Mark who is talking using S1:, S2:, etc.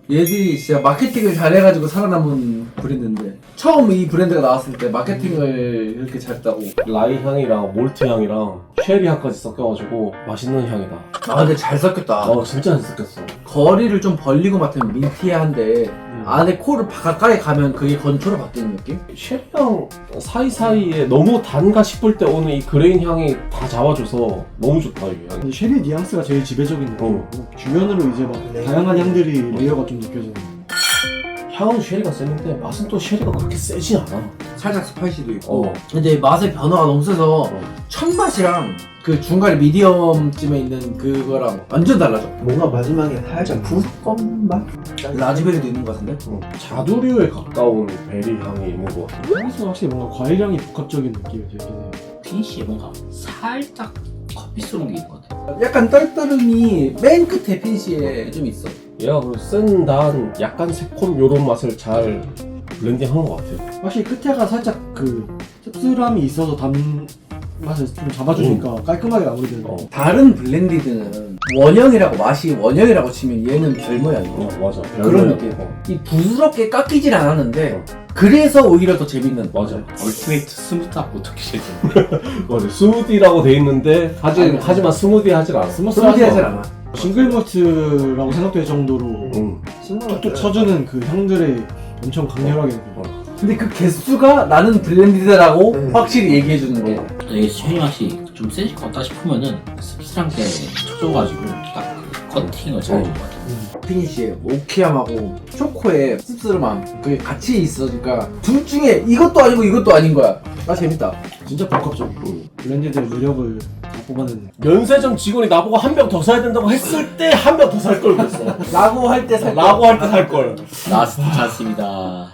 S1: 얘들이 진짜 마케팅을 잘해가지고 살아남은 브랜드인데 처음 이 브랜드가 나왔을 때 마케팅을 이렇게 잘했다고.
S2: 라이 향이랑 몰트 향이랑 쉐리 향까지 섞여가지고 맛있는 향이다.
S1: 아 근데 잘 섞였다.
S2: 진짜 잘 섞였어.
S1: 거리를 좀 벌리고 맡으면 민티한데 안에 코를 가까이 가면 그게 건초로 바뀌는 느낌?
S2: 쉐리향 사이사이에 너무 단가 싶을 때 오는 이 그레인 향이 다 잡아줘서 너무 좋다 이게.
S3: 근데 쉐리 뉘앙스가 제일 지배적인 느낌이고 주변으로 이제 막 다양한 향들이 레이어가 좀 느껴지는.
S2: 향은 쉐리가 세는데 맛은 또 쉐리가 그렇게 세진 않아.
S1: 살짝 스파이시도 있고.
S2: 어.
S1: 근데 맛의 변화가 너무 세서 첫 맛이랑 그 중간에 미디엄쯤에 있는 그거랑 완전 달라져.
S4: 뭔가 마지막에 살짝 푸석검 맛?
S1: 라즈베리도 있는 것 같은데?
S2: 자두류에 가까운 베리 향이 있는 것 같아.
S3: 향에서 확실히 뭔가 과일향이 복합적인 느낌이 들긴 해요.
S5: 피니쉬에 뭔가 살짝 커피스러운 게 있는 것 같아요.
S1: 약간 떨떠름이 맨 끝에 피니시에 좀 있어.
S2: 얘가 그 쓴, 단, 약간 새콤 요런 맛을 잘 블렌딩한 것 같아요.
S3: 확실히 끝에가 살짝 그 씁쓸함이 있어서 맛을 좀 잡아주니까 깔끔하게 마무리되는.
S1: 다른 블렌디드는 원형이라고 맛이 원형이라고 치면 얘는 별 모양이고
S2: 맞아.
S1: 그런 느낌. 이 부드럽게 깎이질 않았는데 그래서 오히려 더 재밌는.
S2: 맞아.
S5: 얼티메이트 스무트한 어떻게 되지?
S2: 맞아. 스무디라고 돼 있는데 하지만 스무디 하질 않아.
S1: 스무디하진 않아.
S3: 싱글 몰트라고 생각될 정도로 툭툭 쳐주는 그 향들의 엄청 강렬하게 느껴요.
S1: 근데 그 개수가 나는 블렌디드라고 확실히 얘기해주는 게
S5: 이게 쉐리 맛이 좀 세질 것 같다 싶으면은 씁쓸한 게 쳐줘가지고 딱 그 커팅을 잘 해준 것 같아요.
S1: 피니쉬에 오키함하고 초코의 씁쓸함 그게 같이 있으니까 둘 중에 이것도 아니고 이것도 아닌 거야. 아 재밌다.
S3: 진짜 복합적이고 블렌디드의 매력을 다 뽑아내는.
S2: 면세점 직원이 나보고 한 병 더 사야 된다고 했을 때 한 병 더 살 걸 그랬어.
S1: 라고 할 때 살.
S2: 라고 할 때 살 걸.
S5: 라스트 찬스입니다.